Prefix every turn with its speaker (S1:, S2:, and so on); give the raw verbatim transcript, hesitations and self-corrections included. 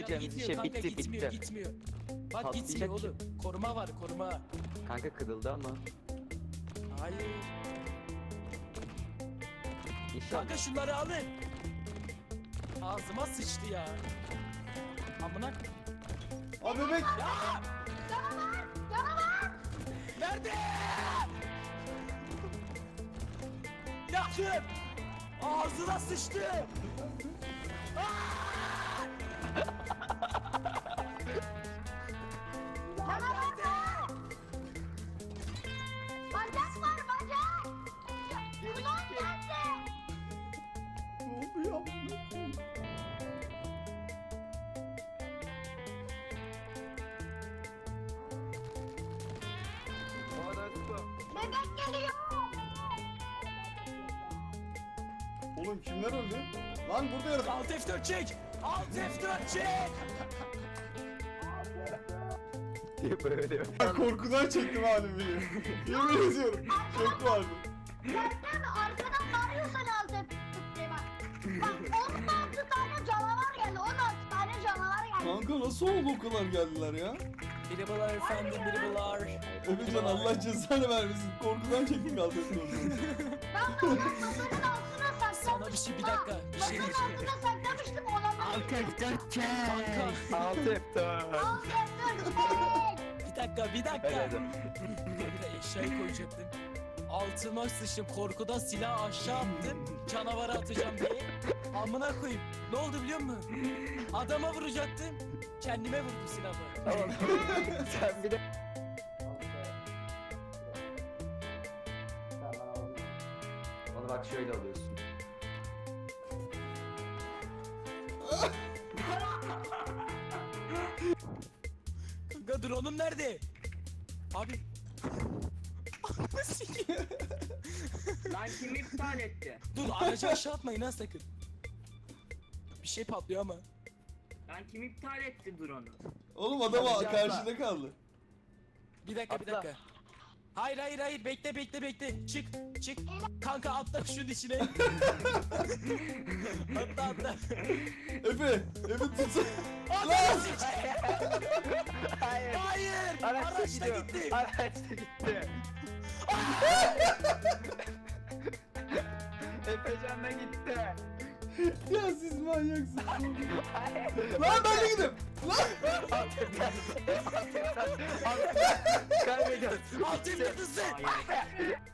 S1: Gitmiyor
S2: şey
S1: kanka,
S2: bitti
S1: gitmiyor,
S2: bitti.
S1: gitmiyor. Bak
S2: Patlayacak
S1: gitmiyor
S2: ki.
S1: oğlum. Koruma var, koruma.
S2: Kanka kırıldı ama.
S1: Hayır.
S2: İnşallah.
S1: Kanka şunları alın. Ağzıma sıçtı ya. Amına.
S3: Aa bebek.
S1: Ya!
S4: Canavar! Canavar!
S1: Nerede? Yakın. Ağzına sıçtı.
S4: Canavar! Bacak var bacak! Ulan geldi!
S3: Ne oluyor?
S4: Bebek geliyor!
S3: Oğlum kimler öldü? Lan burada yaratık.
S1: Alt F dört çek. Alt F dört çek.
S2: diye böyle.
S3: Ben korkudan çektim halimi. Yemin ediyorum. Çok vardı.
S4: Gördün mü? Arkadan bağırıyorsan alt et diye bak. Bak on altı tane canavar geldi. on altı tane canavar geldi.
S3: Kanka nasıl oldu o kadar geldiler ya?
S1: Merhabalar efendim, merhabalar.
S3: Efecan Allah cezanı vermesin. Korkudan çektik altını.
S4: Ben de onu masanın altına saklamıştım.
S1: Sana bir şey, bir dakika, bir şey
S4: Masanın
S1: diyeceğim.
S4: altına saklamıştım. Olanları
S1: Kanka.
S2: Altı F dört.
S4: Alt et dur.
S1: Bir dakika, bir dakika.
S2: Hadi,
S1: Bir eşyayı koyacaktım. Altıma sıçtım, korkudan silahı aşağı attım. Canavara atacağım diye. Amına koyayım. Ne oldu biliyor musun? Adama vuracaktım. Kendime vurdum silahı.
S2: Tamam. Sen bir de. Onu bak şöyle alıyorsun.
S1: Kanka drone'um nerede? Abi. Ananı sikeyim.
S5: Lan kim iptal etti?
S1: Dur aracı aşağı atmayın ha sakın. Bir şey patlıyor ama.
S5: Lan kim iptal etti drone'u?
S3: Oğlum adam
S2: Hadi
S3: karşıda kaldı.
S1: Bir dakika bir
S2: Atla.
S1: dakika. Hayır hayır hayır bekle bekle bekle. Çık çık. Kanka atla şunun içine. atla atla.
S3: Efe, Efe tutsa.
S1: Atla sikeyim.
S2: Hayır.
S1: Hayır.
S2: Araçta
S1: Araçta
S2: gidiyor.
S1: gitti.
S2: Araçta gitti. Efecan da gitti.
S3: Ya siz manyaksınız. Lan ben de gidiyorum. Lan.
S2: Kaybediyoruz.
S1: Altın yıldızı.
S5: Hayır.